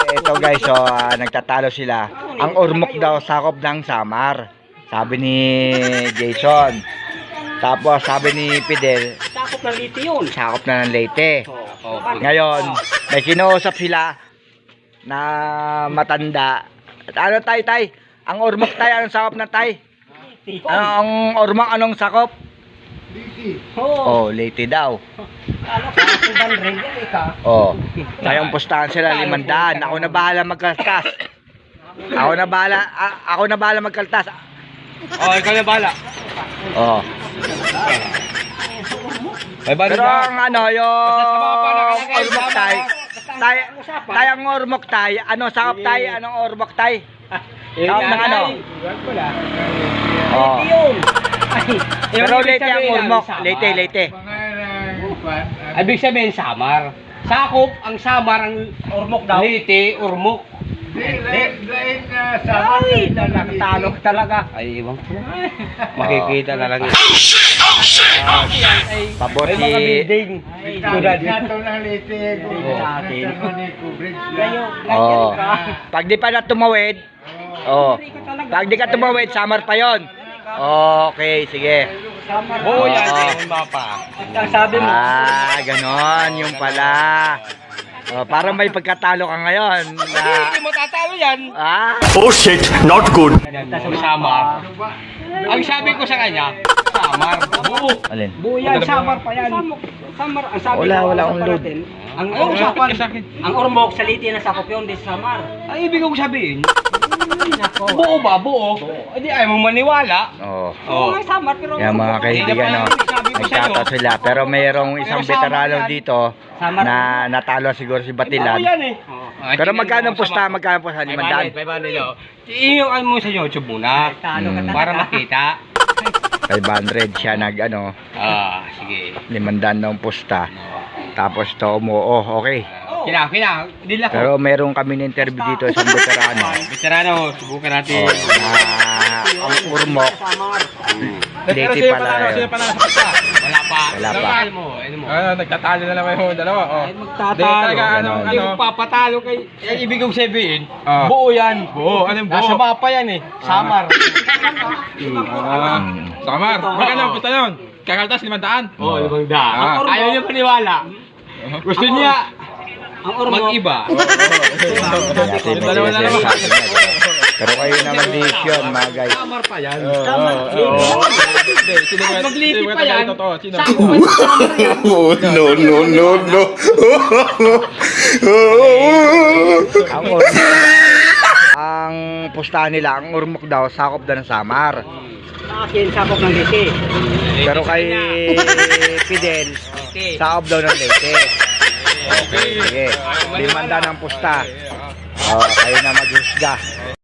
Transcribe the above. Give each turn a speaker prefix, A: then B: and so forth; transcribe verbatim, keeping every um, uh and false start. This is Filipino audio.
A: ito guys, so ah, nagtatalo sila. Ang Ormoc daw sakop ng Samar. Sabi ni Jason. Tapos sabi ni Fidel,
B: Sakop ng Leyte yun.
A: sakop na ng Leyte.
B: Oh.
A: Ngayon, may kinuusap sila na matanda. At ano tay tay? Ang Ormoc tay, anong sakop na tay? Ano, ang Ormoc anong sakop?
B: Oo.
A: Oh, Leyte daw.
B: Ano ka? Sudan rin yan eh ka.
A: Oh, ngayong pustahan sila limandaan. Ako na bahala magkaltas. Ako na bahala, a- ako na bahala magkaltas.
C: Oh, ikaw na bala.
A: Oh.
C: May bala
A: Pero ang ano, yung Ormoc tay, tay, tay ang Ormoc tay, ano sakop tay, anong Ormoc tay? Sakop ng ano? Oh.
B: Yun. Ay,
A: Pero Leyte ang Ormoc, Leyte, Leyte.
C: Ibig sabihin, Samar. Sakop, ang Samar, ang
B: Ormoc daw.
C: Leyte, Ormoc.
B: Ay, nakatalo ka talaga.
C: Ay, ibang ko. Makikita na lang yun.
A: Pabor
C: May mga
A: si
C: building. Tulad.
A: Oh. Pag di pa na tumawid, oh. Pag di ka tumawid, Samar pa 'yon. Okay, sige.
C: Oo,
A: Oh.
C: yan. Yung mapa.
B: Ang sabi mo.
A: Ah, ganon, yung pala. Oh, parang may pagkatalo ka ngayon. Na,
C: Hindi mo tatalo yan.
A: ah,
D: Oh shit, not good.
C: Ang Samar. Ang sabi ko sa kanya, Samar. Buo.
A: alin?
B: Buyan, Samar pa yan. Samar, ang sabi
A: Wala,
B: ko,
A: wala
B: sa
A: akong load.
B: natin, Ang
C: Ano
B: Ormoc,
C: usapan sa akin?
B: ang Ormoc sa Leyte na sakop yun, di sa Samar.
C: Ang ibig kong sabihin,
B: Ay, nako.
C: buo ba? Buo. Hindi ayaw mong maniwala.
A: Oh.
B: Oo nga, Samar, pero...
A: Yan mga kaibigan, no, nagtataw sila. Pero mayroong isang veterano dito na natalo siguro si
C: Oo
A: Batilan.
C: yan eh.
A: Pero magkano ang pusta? Magkano po sa limandaan?
C: five hundred yun. Iyon mo sa YouTube muna.
B: Talo ka
A: Hmm.
B: talaga.
C: Para makita.
A: five hundred siya nag ano,
C: Ah, sige.
A: limandaan daw ang pusta. Tapos to mo, oh, okay.
C: Kina, kina. Dila ko.
A: Pero meron kami ng interview dito sa veterano.
C: Veterano, subukan natin.
A: Oh, na ang Ormoc,
B: Samar.
A: Leyte pala yun.
C: Wala pa.
A: Wala pa.
C: Ano mo? Ano mo?
E: Ano, nagtatalo na naman yung dalawa. Oh.
B: Ay,
E: Di
B: magtatalo.
E: talaga ano,
A: Ganon.
C: Hindi
E: ano.
C: ko papatalo kay... Eh, ibig kong sabihin,
E: Ah.
C: buo yan.
E: Buo, ano yung buo?
C: Nasa mapa yan eh. Samar.
E: Ah, Samar, magkano ang pusta yun? Kakaltas, limandaan.
C: Oo, oh, limang daan.
E: Ah.
C: Ayaw niya paniwala. Gusto niya
B: Ang Ormoc.
C: mag-iba.
A: Yati
E: Yung
A: may
E: dalawa na naman.
A: sinasabi niya, diba? Pero kayo naman decision mga guys.
C: Samar pa yan.
B: Samar.
E: Hindi, sino ba-
C: Magliti
E: sino ba
C: pa yan.
E: talaga totoo? Sino?
C: Sako pa yung Samar yan.
D: Oh no no no no.
A: Ang Ormoc, ang pustahan nila, ang Ormoc daw, sakop daw ng Samar.
B: Sa akin, sakop ng Leyte.
A: Pero kay Fidel, sakop daw ng Leyte. Okay, sige. Limanda ng pusta. Oh, kayo na maghusga.